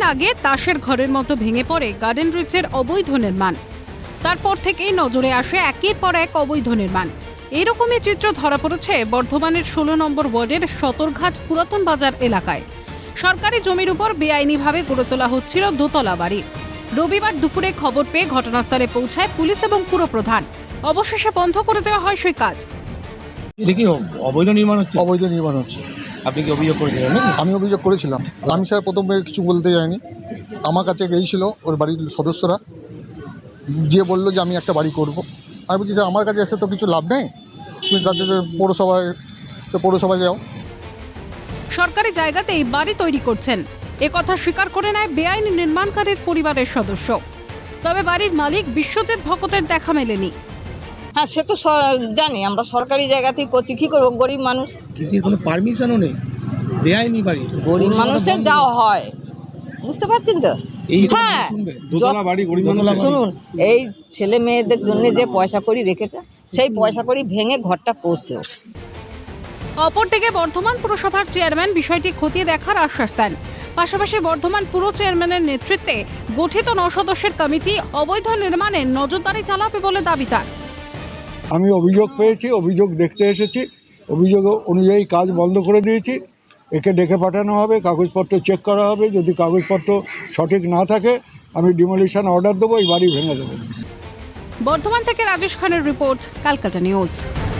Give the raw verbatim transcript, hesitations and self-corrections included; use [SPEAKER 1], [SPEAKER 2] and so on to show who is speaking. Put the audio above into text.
[SPEAKER 1] আগে তাসের ঘরের মতো ভেঙে পড়ে গার্ডেন রিচের অবৈধ নির্মাণ। তারপর থেকেই নজরে আসে একের পর এক অবৈধ নির্মাণ। এরকমই চিত্র ধরা পড়েছে বর্ধমানের ষোলো নম্বর ওয়ার্ডের সতরঘাট পুরাতন বাজার এলাকায়। সরকারি জমির উপর বেআইনিভাবে গড়ে তোলা হচ্ছিল দোতলা বাড়ি। রবিবার দুপুরে খবর পেয়ে ঘটনাস্থলে পৌঁছায় পুলিশ এবং পুরপ্রধান। অবশেষে বন্ধ করে দেওয়া হয় সেই কাজ।
[SPEAKER 2] এটা কি অবৈধ নির্মাণ হচ্ছে?
[SPEAKER 3] অবৈধ নির্মাণ হচ্ছে।
[SPEAKER 2] আপনি কি অভিযোগ করেছিলেন নাকি?
[SPEAKER 3] আমি অভিযোগ করেছিলাম। আমি স্যার প্রথমে কিছু বলতে যাইনি, আমার কাছে গিয়েছিল ওর বাড়ির সদস্যরা, যে বললো যে আমি একটা বাড়ি করব। আমি বলছি যে আমার কাছে এসে তো কিছু লাভ নেই, তুমি তাদের পৌরসভায় পৌরসভায় যাও।
[SPEAKER 1] সরকারি জায়গাতেই বাড়ি তৈরি করছেন এ কথা স্বীকার করে নেয় বেআইনি নির্মাণকারীর পরিবারের সদস্য। তবে বাড়ির মালিক বিশ্বজিৎ ভকতের দেখা মেলেনি।
[SPEAKER 4] হ্যাঁ, সে তো জানি, আমরা সরকারি জায়গাতেই করছি, কি করবো, গরিব মানুষ।
[SPEAKER 2] কিন্তু কোনো পারমিশনও নেই, বেআইনি বাড়ি,
[SPEAKER 4] গরিব মানুষের যাওয়া হয়, বুঝতে পারছেন তো।
[SPEAKER 2] এই
[SPEAKER 4] হ্যাঁ,
[SPEAKER 2] দোতলা বাড়ি গরিব মানুষ।
[SPEAKER 4] শুনুন, এই ছেলে মেয়েদের জন্য যে পয়সা কড়ি রেখেছে, সেই পয়সা কড়ি ভেঙে ঘরটা পড়ছে।
[SPEAKER 1] অপরদিকে বর্ধমান পুরসভার চেয়ারম্যান বিষয়টি খতিয়ে দেখার আশ্বাস দেন। পাশাপাশি বর্ধমান পুর চেয়ারম্যানের নেতৃত্বে গঠিত ন সদস্যের কমিটি অবৈধ নির্মাণে নজরদারি চালাবে বলে দাবি তার।
[SPEAKER 5] আমি অভিযোগ পেয়েছি, অভিযোগ দেখতে এসেছি, অভিযোগ অনুযায়ী কাজ বন্ধ করে দিয়েছি। একে ডেকে পাঠানো হবে, কাগজপত্র চেক করা হবে, যদি কাগজপত্র সঠিক না থাকে আমি ডিমোলিশন অর্ডার দেবো, এই বাড়ি ভেঙে দেবো।
[SPEAKER 1] বর্ধমান থেকে রাজেশ খানের রিপোর্ট, ক্যালকাটা নিউজ।